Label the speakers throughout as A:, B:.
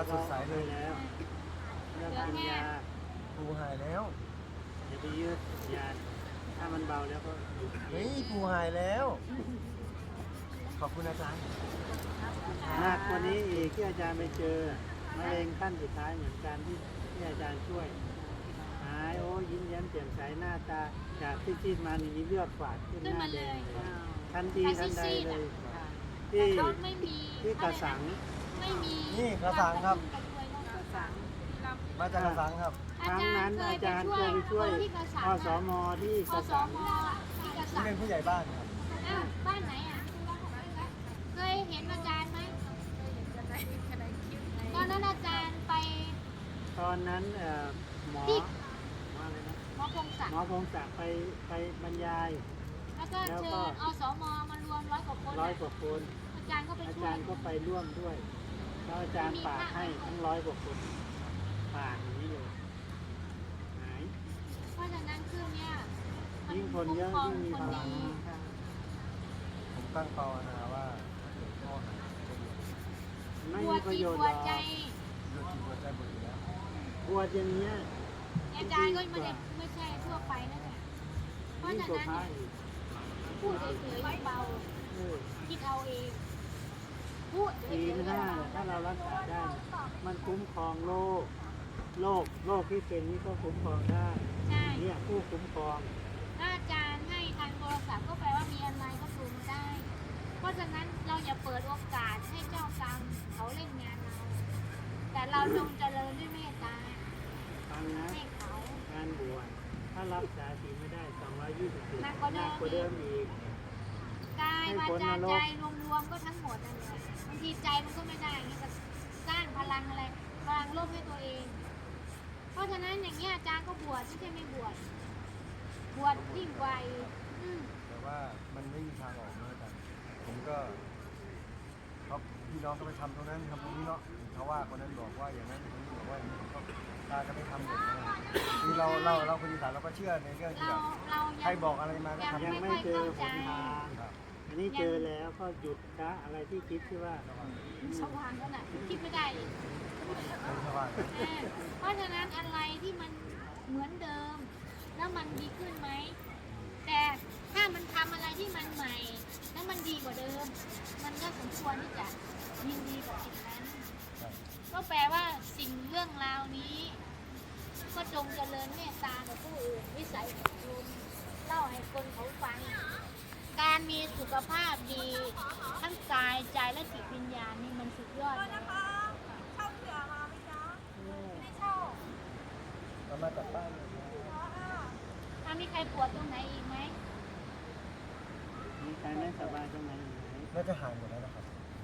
A: สดใสเลยแล้วเริ่มกินยาปูหายแล้วอย่าไปยืดยาถ้ามันเบาแล้วก็หยุดเฮ้ยปูหายแล้วขอบคุณอาจารย์หนักกว่านี้อีกที่อาจารย์ไปเจอมะเร็งขั้นสุดท้ายเหมือนกันที่อาจารย์ช่วยหายโอ้ยิ้มแย้มแจ่มใสหน้าตาจากซีดๆมานี่มีเลือดฝาดขึ้นหน้าแดงเลยทันทีทันใดเลยที่กระสัง
B: ไม่มี
A: นี่กระสังครับมาจากกระสังครับครั้งนั้นอาจารย์เคยไปช่วยอสมที่กระสังที่เป็นผู้ใหญ่บ้านครับ
B: บ้านไหนอ่ะเคยเห็นอาจารย์ไหมตอนนั้นอาจารย์ไป
A: ตอนนั้นหมออะไรนะ
B: หมอพงศัก
A: ดิ์ไปบรรยาย
B: แล้วก็เชิญอสมมารวม100 กว่าคนอาจารย์ก็ไปช่วย
A: อาจารย์ก็ไปร่วมด้วยแล้วอาจารย์ฝากให้ทั้ง100 กว่าคนฝากอย่างนี้เลยหาย
B: เพราะฉะนั้นคือเนี่ย
A: ยิ่งคนเยอะยิ่งมีพลังผมตั้งภาวนาว่าถ้าเกิดพ่อหายไม่มีประโยชน์หรอกหัวใจหมดแล้วปวดอย่างเงี้ย
B: อาจารย์ก็ไม่ใช่ทั่วไปนั่นแหละเพราะฉะนั้นพูดเฉยๆเบาคิดเอาเองพูด
A: ดีนะถ้าเรารักษาได้มันคุ้มครองโรคที่เป็นนี่ก็คุ้มครองได้เนี่ยผู้คุ้มครอง
B: ถ้าอาจารย์ให้ทางโทรศัพท์ก็แปลว่ามีอะไรก็ดูมาได้เพราะฉะนั้นเราอย่าเปิดโอกาสให้เจ้ากรรมเขาเล่นงานเราแต่เราจงเจริญด้วยเมตตาให้เขา
A: การบวชถ้ารับสาศีลไม่ได้220หนักกว่าเดิมอีก
B: กายวาจาใจรวมๆก็ทั้งหมดนั่นแหละบางทีใจมันก็ไม่ได้นี่ก็สร้างพลังอะไรพลังโลภให้ตัวเองเพราะฉะนั้นอย่างเงี้ยอาจารย์ก็บวชไม่ใช่ไม่บวชยิ่งกว่า
A: แต่ว่ามันไม่มีทางออกเลยกันผมก็เขาพี่น้องก็ไปทำตรงนั้นทำตรงนี้เนาะเขาว่าคนนั้นบอกว่าอย่างนั้นคนนี้บอกว่าอย่างนี้ก็ตาจะไม่ทำหมดนะคือเราคนอีสานเราก็เชื่อในเรื่องที่แบบใครบอกอะไรมาก็ทำยังไม่เจอผลทางอันนี้เจอแล้วก็หยุดละอะไรที่คิดที่ว่า
B: สว่างแล้วน่ะคิดไม่ได้เพราะฉะนั้นอะไรที่มันเหมือนเดิมแล้วมันดีขึ้นไหมแต่ถ้ามันทำอะไรที่มันใหม่แล้วมันดีกว่าเดิมมันก็สมควรที่จะยินดีกับสิ่งนั้นก็แปลว่าสิ่งเรื่องราวนี้ก็จงเจริญเมตตากับผู้อื่นวิสัยของคุณเล่าให้คนเขาฟังการมีสุขภาพดีทั้งกายใจและจิตวิญญาณนี่มันสุดยอดเลย
C: เช่าเสือมาไหมจ๊ะไม่ได้เช่า
A: เรามาจากบ้าน
B: ถ้ามีใครปวดตรงไหนอีกไหม
A: มีใครไม่สบายตรงไหนอีกไหมน่าจะหายหมดแล้วนะครับ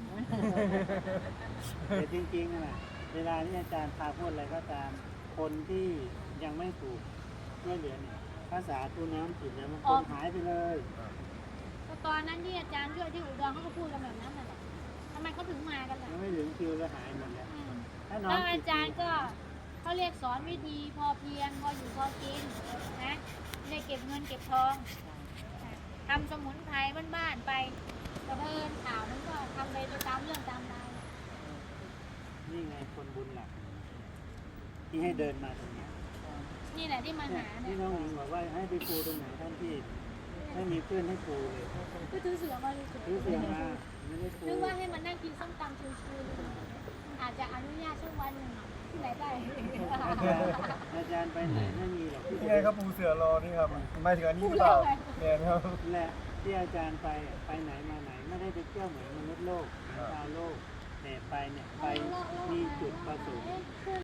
A: แต่จริงๆนะเวลาที่อาจารย์พาพูดอะไรก็ตามคนที่ยังไม่ถูกช่วยเหลือเนี่ยภาษาตัวน้ำจิตเนี่ยมันคนหายไปเลย
B: ตอนนั้นที่อาจารย์ช่วยที่อุดรเขาก็พูดกันแบบนั้นแหละทำไมเขาถึงมากันล่ะ
A: ไม่ถึงคิวแล้วหายหมดแล้ว
B: แล้วอาจารย์ก็เขาเรียกสอนวิธีพอเพียงพออยู่พอกินนะไม่ได้เก็บเงินเก็บทองทำสมุนไพรบ้านๆไปกระเพินข่าวนั้นก็ทำไปตามเรื่องตามราว
A: นี่ไงคนบุญหลักที่ให้เดินมาตรงนี้
B: นี่แหละที่มาหา
A: ที่น้องหญิงบอกว่าให้ไปปูตรงไหนท่านที่ไม่มีเพื่อนให้ปูเลย
B: ก็ถือเสือมาเลย
A: ถือเสือมาไม่ได้ปู
B: นึกว่าให้มันนั่งกินส้มตำชิวๆอาจจะอนุญาตช่วงวันหนึ่งที่ไหนได้
A: อาจารย์ไปไหนไม่มีหรอก
D: ที่ไงครับปูเสือรอนี่ครับไม่ถึงอันนี้หรือเปล่าเนี่ยครับ
A: แหละที่อาจารย์ไปไหนมาไหนไม่ได้ไปเที่ยวเหมือนมนุษย์โลกชาวโลกแต่ไปเนี่ยไปมีจุดประสงค์